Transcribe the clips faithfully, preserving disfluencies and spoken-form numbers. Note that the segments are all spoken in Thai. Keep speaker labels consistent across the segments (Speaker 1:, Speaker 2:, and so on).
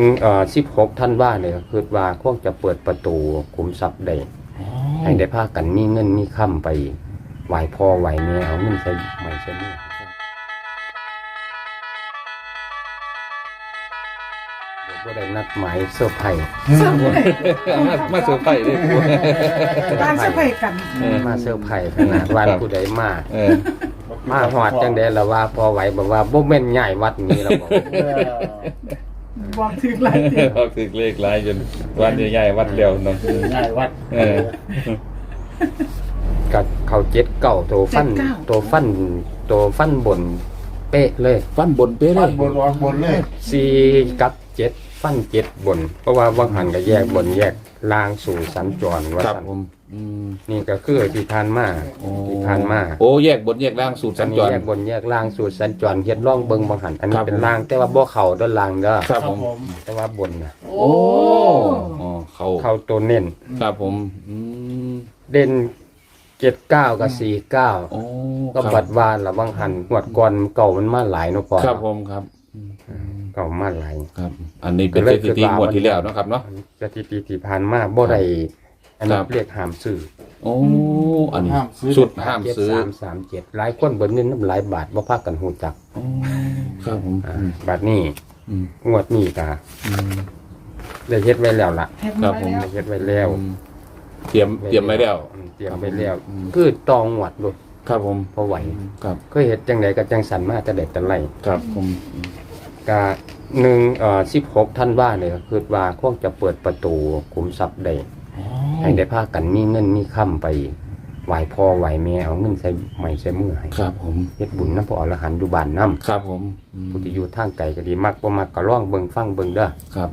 Speaker 1: เอ่อสิบหกธันวาเนี่ยคือว่าคงจะเปิดประตูขุมทรัพย์ได้ให้ได้พากันมีเงินมีค่ำไปไหวพ่อไหวแม่เอาเงินใส่ใหม่ใส่มือเดี๋ยวก็ได้นัดหมายเซอร์ไพรส์
Speaker 2: มามาเซอร์ไพรส์เลยกู
Speaker 3: บ้านเซอร์ไพรส์กัน
Speaker 1: มาเซอร์ไพรส์ขนาดวันผู้ใดมา
Speaker 2: เออ
Speaker 1: มาหอดจังได๋ล่ะว่าพอไหวบอกว่าบ่แม่นใหญ่วัดนี้แล้วบอก
Speaker 3: บอกถึงหลายที
Speaker 2: ออกถึงเลขหลายจนวันใหญ่ๆวัดเดียวเนาะ
Speaker 4: ง่ายวัด
Speaker 2: เออ
Speaker 1: ก็เขาเจ็ดเก้าโตฟันโตฟันโตฟันบนเป๊ะเลย
Speaker 2: ฟันบนเป๊ะเล
Speaker 4: วัด
Speaker 2: ย
Speaker 4: บนออกบนเลย
Speaker 1: สี่กับเจ็ดฟันเจ็ดบน เพราะว่าวังหันก็แยกบนแยกล่างสู่สัญจรว่า
Speaker 2: ครับ
Speaker 1: ซั่น
Speaker 2: ผมอืม
Speaker 1: นี่ก็คือที่ผ่านมาที่ผ่านมา
Speaker 2: โอ้แยกบนแยกล่างสูตร
Speaker 1: อั
Speaker 2: สั
Speaker 1: น
Speaker 2: ญ
Speaker 1: นี้
Speaker 2: จร
Speaker 1: แยกบนแยกล่างสู่สัญจรเฮ็ดร่องเบิงวังหันอันนี้
Speaker 2: ครับ
Speaker 1: เป็นล่างแต่ว่าบ่เข้าด้านล่างเด้อ
Speaker 2: ครับผม
Speaker 1: แต่ว่าบนน่ะ
Speaker 2: โอ้อ๋อเขา
Speaker 1: เข้าตัวเน้น
Speaker 2: ครับผมอืม
Speaker 1: เด่นเจ็ดเก้ากับสี่เก้า
Speaker 2: โอ้
Speaker 1: ก็บัดวานละวังหันงวดก่อนเก่ามันมาหลายเนาะก่อน
Speaker 2: ครับผมครับ
Speaker 1: เก่ามาหลาย
Speaker 2: ครับ อันนี้เป็นสถิติงวดที่แล้วเนาะครับเนาะ
Speaker 1: สถิติที่ผ่านมาบ่ได้อัน
Speaker 2: ค
Speaker 1: นี้
Speaker 2: รับ
Speaker 1: เรียกห้ามซื้อ
Speaker 2: โอ้อันนี้สุดห้าม
Speaker 1: เจ็ด
Speaker 2: ซื้อ
Speaker 1: สามสามเจ็ดหลายคนเบิดเงินน้ำหลายบาทบ่พากันฮู้จัก
Speaker 2: โอ้ครับผม
Speaker 1: อ่า
Speaker 2: อืม
Speaker 1: บัดนี้
Speaker 2: อืม
Speaker 1: งวดนี้ก็
Speaker 2: อืม
Speaker 1: ได้เฮ็ดไว้แล้วล่ะ
Speaker 3: แท็ก
Speaker 2: ครั
Speaker 3: มา
Speaker 2: บผม
Speaker 3: แล้ว
Speaker 1: ได้เฮ็ดไว้แล้ว
Speaker 2: อืมเตรียมเตรียมไว้แล้ว
Speaker 1: อืมเตรียมไว้แล้ว
Speaker 2: อืม
Speaker 1: คือตองงวดโดด
Speaker 2: ครับผม
Speaker 1: พอไหว
Speaker 2: ครับ
Speaker 1: เคยเฮ็ดจังไดก็จังสันมาแต่เด็กแต่ไร
Speaker 2: ครับผม
Speaker 1: ก็หนึ่งเอ่อสิบหกธันวาเนี่ยคือว่าคงจะเปิดประตูขุมทรัพย์ได้ให้ได้พากันมีเงินมีค่ำไปไหวพ่อไหวแม่เอาเงินใส่ใหม่ใส่มือให้
Speaker 2: ครับผม
Speaker 1: เฮ็ดบุญนำพระอรหันต์อยู่บ้านนำ
Speaker 2: ครับผมอืม
Speaker 1: ผู้ที่อยู่ทางไกลก็ดีมักบ่มักก็ร้องเบิ่งฟังเบิ่งเด้อ
Speaker 2: ครับ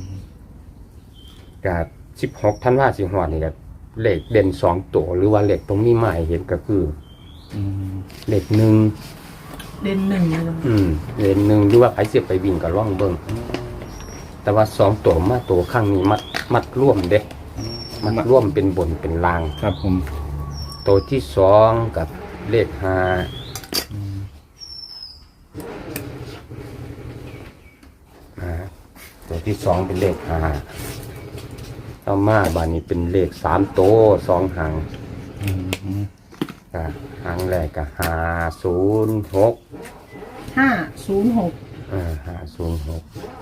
Speaker 1: ก็สิบหกธันวาสิฮอดนี่ก็เลขเด่นสองตัวหรือว่าเลขตรงนี้มาให้เห็นก็คือ
Speaker 2: อืม
Speaker 1: เลขหนึ่ง
Speaker 3: เด่นหนึ่งเลยนะ
Speaker 1: อืมเลขหนึ่งหรือว่าใครสิไปวิ่งก็ร้องเบิ่งแต่ว่าสองตัวมาตัวข้างนี้มัดมัดร่วมเด้มัดร่วมเป็นบนเป็นล่าง
Speaker 2: ครับผม
Speaker 1: ตัวที่สองกับเลขห้าอ่าตัวที่สองเป็นเลขห้าต่อมาบานนี้เป็นเลขสามตัวสองหาง
Speaker 2: อืม
Speaker 1: อ่าหางแรกกับห้าศูนย์หก
Speaker 3: ห้าศูนย์หก
Speaker 1: อ่าห้าศูนย์หก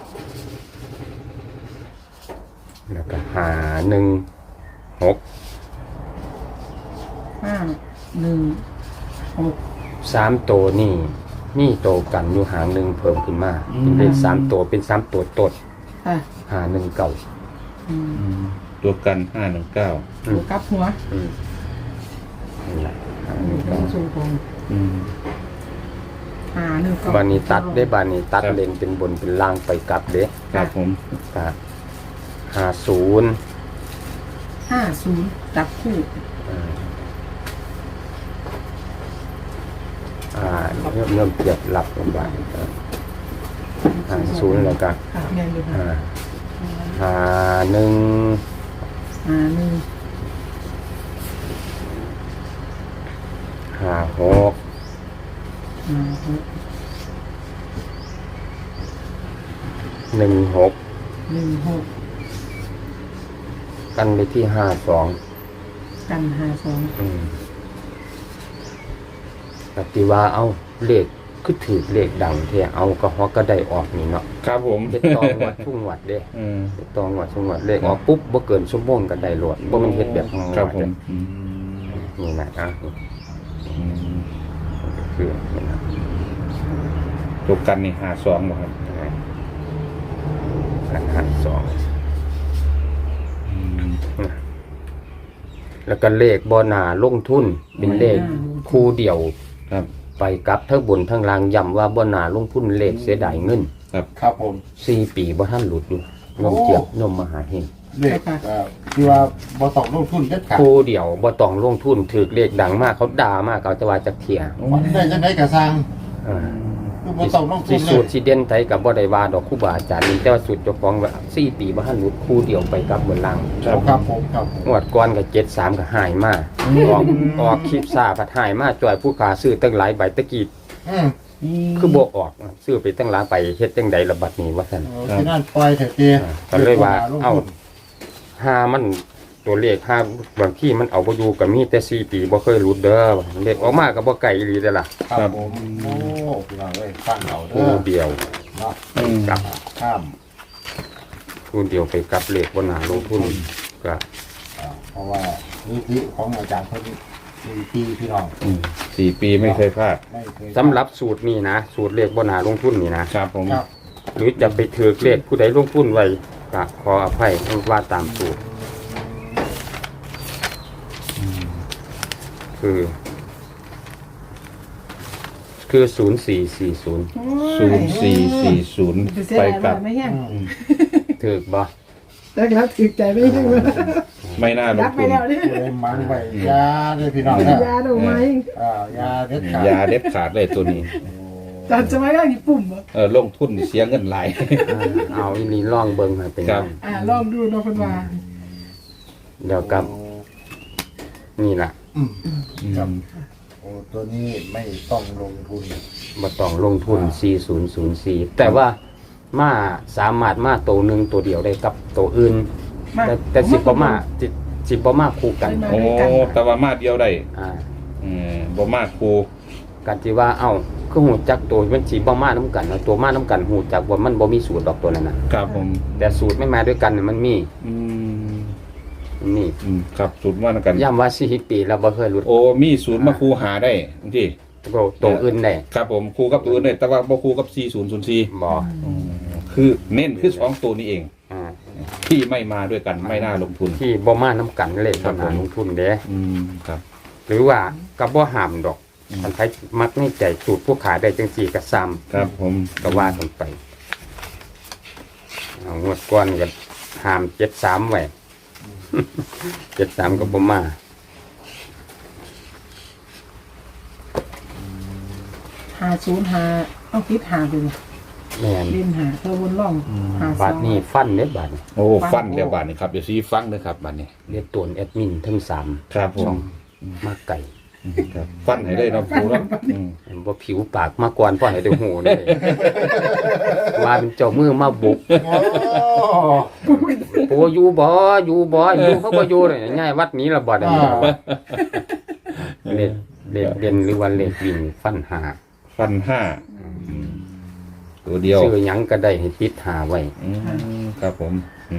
Speaker 1: แล้วก็ห้าหนึ่งหก
Speaker 3: ห้าหนึ่งหก
Speaker 1: สามตัวนี่มีโตวกันอยู่หางหนึ่งเพิ่มขึ้นมาเป็นเลขสามตัวเป็นสามตัวตด
Speaker 3: อ่ะ
Speaker 1: ห้าหนึ่งเก่า
Speaker 3: อืม
Speaker 2: อืมตัวกันห้าหนึ่งเก้า
Speaker 3: ตัวกลับหัว
Speaker 1: อืมนี่แหละห้าห
Speaker 3: ห
Speaker 1: นึ่
Speaker 3: นึ่
Speaker 1: ง
Speaker 3: ง
Speaker 1: เก่า
Speaker 3: สูงของ
Speaker 2: อืม
Speaker 3: หาหนึ่งเก้า
Speaker 1: บานีตัดได้บานีตัด
Speaker 2: ครับ
Speaker 1: เลนเป็นบนเป็นล่างไปกลับเด้
Speaker 2: ครับผม
Speaker 1: ก็ห้าศูนย์
Speaker 3: ห้าศูนย์จับคู่
Speaker 1: อ่าเริ่มเริ่มเกียบหลับลงไปห้าศูนย์แล้วก็
Speaker 3: ค่ะแม่นอยู่ค่ะ
Speaker 1: อ่าห้าหนึ่ง
Speaker 3: หาหนึ่ง
Speaker 1: ห้าหก
Speaker 3: หาหก
Speaker 1: หนึ่งหก
Speaker 3: หนึ่งหก
Speaker 1: กันไปที่ห้าสอง
Speaker 3: กันหาสอง
Speaker 1: อืมปฏิว่าเอาเลขคือถือเลขดังเทียเอาก็ฮอกก็ได้ออกนี่เนาะ
Speaker 2: ครับผม
Speaker 1: เฮ็ดตองวัดทุ่งวัดเด้
Speaker 2: อืม
Speaker 1: เฮ็ดตองวัดทุ่งวัดเลขออกปุ๊บบ่เกินชั่วโมงก็ได้โลดบ่มันเฮ็ดแบบงง
Speaker 2: ครับผ
Speaker 1: เด้
Speaker 2: มอืม
Speaker 1: นี่นะอ่ะ
Speaker 2: อืม
Speaker 1: คือนี่นะ
Speaker 2: ตัวกันนี่หาสองบ่ครับ
Speaker 1: กันหารสอง
Speaker 2: อืม
Speaker 1: แล้วก็เลขบ่น่าลงทุนเป็นเลขคู่เดียว
Speaker 2: ครับ
Speaker 1: ไปกลับทั้งบนทั้งล่างย้ำว่าบ่น่าลงทุนเลขเสียดายเงิน
Speaker 2: ครับ
Speaker 4: ครับผม
Speaker 1: สี่ปีบ่ทันหลุดอยู่นมเจียบนมมหาเฮง
Speaker 4: เลขเอ่อที่ว่าบ่ต้องลงทุนเด็ดขาด
Speaker 1: คู่เดียวบ่ต้องลงทุนถือเลขดังมากเขาด่ามากเขาจะว่าจักเที่ย
Speaker 4: มันได้จังได๋ก็สร้าง
Speaker 1: อ่า
Speaker 4: คือบ่ต้องลงทุ
Speaker 1: สิ
Speaker 4: นเล
Speaker 1: สูต
Speaker 4: ย
Speaker 1: รสิเด่นไทยกับบ่ได้ว่าดอกครูบาอาจารย์นี่แต่ว่าสูตรเจ้าของว่าสี่ปีบ่ทันหลุดคู่เดียวไปกับบนล่าง
Speaker 4: ครับผมครับผม
Speaker 1: งวดก่อนก็เจ็ดสามก็หายมาออกออกคลิปซ่าพัดหายมาจ่อยผู้ขาซื้อตั้งหลายใบตะกี้
Speaker 4: อืม
Speaker 1: คือบ่ออกซื้อไปตั้งหลายไปเฮ็ดจังใดระบัดนี้ว่าซั่น
Speaker 4: โอ้ที่นั่นปล่อยเถอะเตี้ย
Speaker 1: ก็เลยว่าเอ้าหามันตัวเลขหาบางที่มันเอาบ่อยู่ก็มีแต่สี่ปีบ่เคยหลุดเด้อเลขออกมาก็บ่ไกลอีหลีเด้อล่ะ
Speaker 4: ครับผมโอ้พี่น้องเอ้ยฟังเอาเด้
Speaker 1: คู่
Speaker 4: อ
Speaker 1: เดียว
Speaker 4: เนาะ
Speaker 2: อืม
Speaker 1: กับ
Speaker 4: ข้าม
Speaker 1: คู่เดียวไปกับเลขบ่น่าลงทุนก็
Speaker 4: อ่าเพราะว่านิธิของอาจารย์เพิ่นมีปีพี่น้อง
Speaker 2: อืมสี่ปีไม่เคยพลาด
Speaker 4: ไม่เคย
Speaker 1: สำหรับสูตรนี้นะสูตรเลขบ่น่าลงทุนนี่นะครับ
Speaker 2: ผม
Speaker 4: ครับ
Speaker 1: หรือจะไปถือเลขผู้ใดลงทุนไว้ก็ขออภัยว่าตามสูตรคือ คือศูนย์สี่สี่ศูนย์
Speaker 2: ศูนย์สี่สี่ศูนย์
Speaker 3: ไปเสีย
Speaker 2: ไป
Speaker 3: ดาย
Speaker 2: กลั
Speaker 3: ว่า
Speaker 2: บ
Speaker 3: ไม่แห้ง
Speaker 4: อืม
Speaker 1: ถือบ่
Speaker 3: แต่แล้วถือใจไม่แห้งเลย
Speaker 2: ไม่น่าล
Speaker 3: รั
Speaker 2: ง
Speaker 3: บไป
Speaker 2: ทุน
Speaker 3: แล้วเนี่ย
Speaker 4: ผู้ใดมันไว้ยาเด้อพี่น้องเด้อย
Speaker 3: าดอกไม้
Speaker 4: อ่ายาเด็ดขาด
Speaker 2: ยาเด็ดขาดเลยตัวนี้
Speaker 3: จัดจะไม่ได้กี่ปุ่มเหรอ
Speaker 2: เออลงทุนเสียเงินหลาย
Speaker 1: อ่าเอาอีนี่ล่องเบิ่งให้เป็น
Speaker 2: ครั
Speaker 1: ยั
Speaker 2: บ
Speaker 1: ง
Speaker 3: อ่าลองดูเนาะคนว่า
Speaker 1: เดี๋ยวกับนี่ล่ะ
Speaker 4: อืมครับโอ้ตัวนี้ไม่ต้องลงทุน
Speaker 1: บ่ต้องลงทุนสี่ศูนย์ศูนย์สี่แต่ว่ามาสามารถมาตัวหนึงตัวเดียวได้กับตัวอื่น
Speaker 3: มา
Speaker 1: แต่แต่สิบ่มาสิสิบ่มาคู่กัน
Speaker 3: มา
Speaker 2: โอ้แต่ว่ามาเดียวได้
Speaker 1: อ่า
Speaker 2: เออบ่มาครู
Speaker 1: กันที่ว่าเอ้าคือหูจักตัวมันสิบ่มานํกันเนาะตัวมานํกันหูจักว่ามันบ่มีสูตรดอกตัวนั้นน่ะ
Speaker 2: ครับผม
Speaker 1: แต่สูตรไม่มาด้วยกันน่ะมันมี
Speaker 2: อืม
Speaker 1: มันมี
Speaker 2: อืมครับศูนย์ว่ากัน
Speaker 1: ย้ำว่าสี่ปีแล้วบ่เคยหลุด
Speaker 2: โอ้มีศูนย์มาครูหาได้บางที
Speaker 1: ตัวตัวอื่นได้
Speaker 2: ครับผมครูกับตัวอื่นได้แต่ว่าบ่ครูกับสี่ศูนย์ศูนย์สี่
Speaker 1: บ่
Speaker 2: คือเน้นคือสองตัวนี้เอง
Speaker 1: อ่า
Speaker 2: ที่ไม่มาด้วยกันไม่น่าลงทุน
Speaker 1: ที่บ่มานํกันเลย
Speaker 2: ครับ
Speaker 1: บ่น่า
Speaker 2: ผม
Speaker 1: ลงทุนเด้
Speaker 2: อืมครับ
Speaker 1: หรือว่าก็บ่ห้ามดอก
Speaker 2: อืม
Speaker 1: คันไผมักในใจสูตรผู้ขายได้จังซี่ก็ซ้ำ
Speaker 2: ครับผม
Speaker 1: ก็ว่ากันไปเอางวดก่อนก็ห้ามเจ็ดสามไว้ เจ็ดสามก็บ่มา
Speaker 3: หาศูนย์หาเอาคิดหาไปเลย
Speaker 1: แม่น
Speaker 3: เล่นหาเธอวนล่องหา
Speaker 1: บาทนี้ฟันเด้บาทนี้
Speaker 2: โอ้ฟันเรียบบาทนี่ครับเดี๋ยวซีฟังนะครับบาทนี้
Speaker 1: เรียกตัวแอดมินทั้งสาม
Speaker 2: ครับผ
Speaker 1: ช่อ
Speaker 2: ม
Speaker 1: งมาไก่
Speaker 2: ครับฟันให้ได้เนาะครูเนาะอืม
Speaker 1: เห็นบ่ผิวปากมาก่อนพ่อให้ได้หูเลย ว่าเป็นเจ้ามือมาบุก
Speaker 4: โอ้
Speaker 1: ปูอยู่บ่อยู่บ่อยู่เขาบ่อยู่เลยง่ายวัดนี้ละบ่ได้
Speaker 4: อ่า
Speaker 1: เล็ดเล็ดเด่นหรือว่าเล็ดวิ่งฟันหา
Speaker 2: ฟันห้าตัวเดียว
Speaker 1: ซื้อหยังก็ได้ให้ติดหาไว้
Speaker 2: อืมครับผมอืม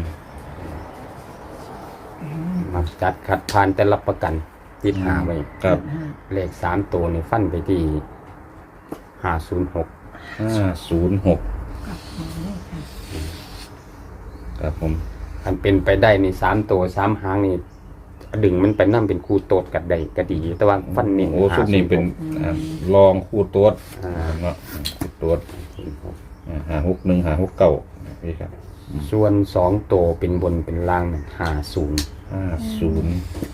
Speaker 1: มาจัดขัดผ่านแต่รับประกันติดหาไว้
Speaker 2: ครับ
Speaker 1: เลขสามตัวนี่ฟันไปที่ห้าศูนย์หก
Speaker 2: ห้าศูนย์หกครับผม
Speaker 1: อันเป็นไปได้นี่สามตัวสามหางนี่ดึงมันไปนั่เป็นคู่โตดกัดได้ก็ดี แต่ว่าฟันนี่
Speaker 2: โอ้ชุดนี้เป็นอ่าลองคู่ตัวเนาะคู่ตัวอ่าหาหกหนึ่งหาหกเก้านี่ครับ
Speaker 1: ส่วนสองตัวเป็นบนเป็นล่างห้าศูนย์
Speaker 2: ห้าศูนย์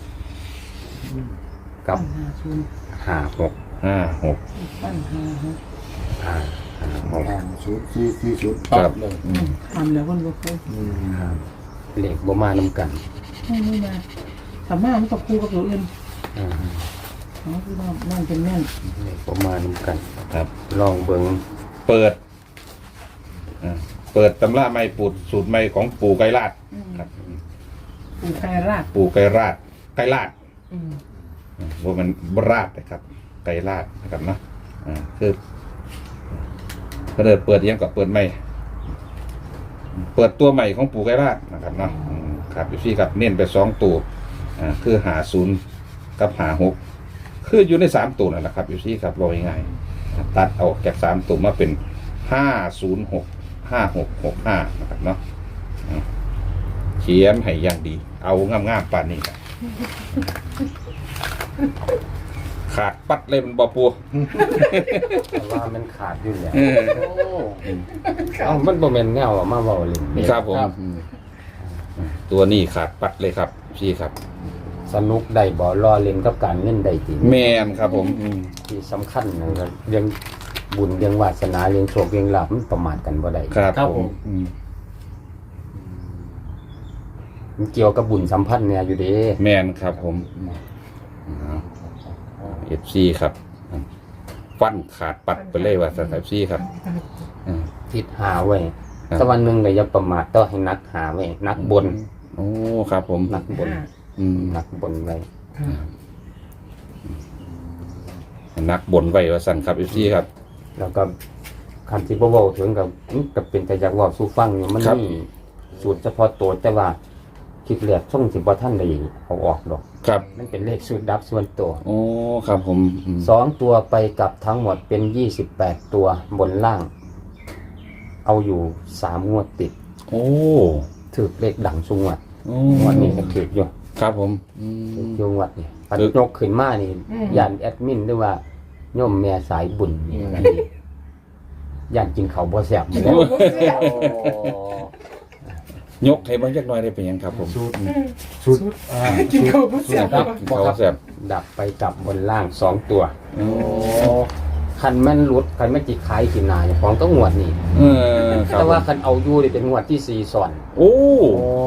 Speaker 1: กับ
Speaker 3: หาศูนย์
Speaker 1: ห้าหก
Speaker 2: ห้าหก
Speaker 3: ปั้นหาหก
Speaker 1: ห้าห้าหก
Speaker 4: อ่าศูนย์สี่สี่ศูนย์ปั๊บเลย
Speaker 3: ทำแล้วคนบ่เคย
Speaker 4: อืม
Speaker 1: เลขบ่มานํกัน
Speaker 3: ไม่ไม่มาสามารถมันกับครูกับตัวอื่น
Speaker 1: อ่า
Speaker 3: อ๋อคือว่านั่นเป็นแน่น
Speaker 1: เลขบ่มานํกัน
Speaker 2: ครับ
Speaker 1: ลองเบิ่ง
Speaker 2: เปิดอ่าเปิดตำราไม่ปูดสูตรไม่ของปู่ไกรลาดครับ
Speaker 3: ปูไคราช
Speaker 2: ปู่ไกรลาดไกรลาด
Speaker 3: อืม
Speaker 2: ว่ามันบราดนะครับ ไกรลาดนะครับเนาะอ่าคือก็เดินเปิดยังกับเปิดใหม่ เปิดตัวใหม่ของปู่ไกรลาดนะครับเนาะอืมครับอยู่ที่ครับเน้นไปสองตัวอ่าคือหาศูนย์กับหาหกคืออยู่ในสามตัวนั่นแหละครับอยู่ที่ครับรอยง่ายๆตัดเอาจากสามตัวมาเป็นห้าศูนย์หกห้าหกหกห้านะครับเนาะอ่าเขียนให้อย่างดี เอางามๆป่านนี้ครับขาดปัดเลยมันบอปู
Speaker 1: แต่ว่ามันขาดอยู่แล้ว
Speaker 2: เออ
Speaker 4: โอ้
Speaker 1: เอ้ามันบ่แม่นแนวอะมาเว้าเล่นเด้
Speaker 2: ครับผมตัวนี้ขาดปัดเลยครับพี่ครับ
Speaker 1: สนุกได้บ่รอเล่นกับการเงินได้จริง
Speaker 2: แมนครับผมอืม
Speaker 1: ที่สำคัญนะครับเรื่องบุญเรื่องวาสนาเรื่องโชคเรื่องลาภมันประมาทกันบ่ได้
Speaker 2: ครับผมอืม
Speaker 1: มันเกี่ยวกับบุญสัมพันธ์เนี่ยอยู่เด้
Speaker 2: แมนครับผมเอฟซีครับฟันขาดปัดไปเลยว่าสายซี่ครับอืม
Speaker 1: ทิศหาไว้
Speaker 2: ครับ
Speaker 1: แต่วันหนึ่งก็อย่าประมาทต้องให้นักหาไว้นักบน
Speaker 2: โอ้ครับผม
Speaker 1: นักบน
Speaker 2: อืม
Speaker 1: นักบนไว้
Speaker 2: นักบนไว้ว่าสั่นครับอีซี่ครับ
Speaker 1: แล้วก็คันที่บ่เว้าถึงกับกับเป็นแต่อยากเว้าสู่ฟังอยู่มัน
Speaker 2: ครับ
Speaker 1: มีสูตรเฉพาะตัวแต่ว่าคิดแรกช่องสิบ่ทันได้เอาออกดอก
Speaker 2: ครับ
Speaker 1: มันเป็นเลขสูตรดับส่วนตัว
Speaker 2: โอ้ครับผมอืม
Speaker 1: สองตัวไปกับทั้งหมดเป็นยี่สิบแปดตัวบนล่าง เอาอยู่สามงวดติด
Speaker 2: โอ้
Speaker 1: ถือเลขดังสุงวด
Speaker 2: โอ้
Speaker 1: งวดนี้ก็ถืออยู่
Speaker 2: ครับผมอื
Speaker 1: ถือ
Speaker 2: ม
Speaker 1: อยู่งวดนี่ปัน
Speaker 2: ถือ
Speaker 1: ยกขึ้นมานี่ยานแอดมินหรือว่าโยมแม่สายบุญนี่อันนี้ยานกินเขาวบ่แซ่บอยู่แล้ว
Speaker 2: ยกให้เบางจักหน่อยได้เป็นหยังครับผม
Speaker 1: สูตร
Speaker 3: ชุดกินข้าวผู้เสีย
Speaker 1: ดับ
Speaker 2: เขาแซ่บ
Speaker 1: ดับไปกับบนล่างสองตัว
Speaker 2: โอ้
Speaker 1: คันแม่นหลุดคันแม่นจิขายกินหนาเนี่ยของก็งวดนี่
Speaker 2: เออครับ
Speaker 1: แต่ว่าคันเอาอยู่นี่เป็นงวดที่สี่ซ้อน
Speaker 2: โอ้
Speaker 3: โอ้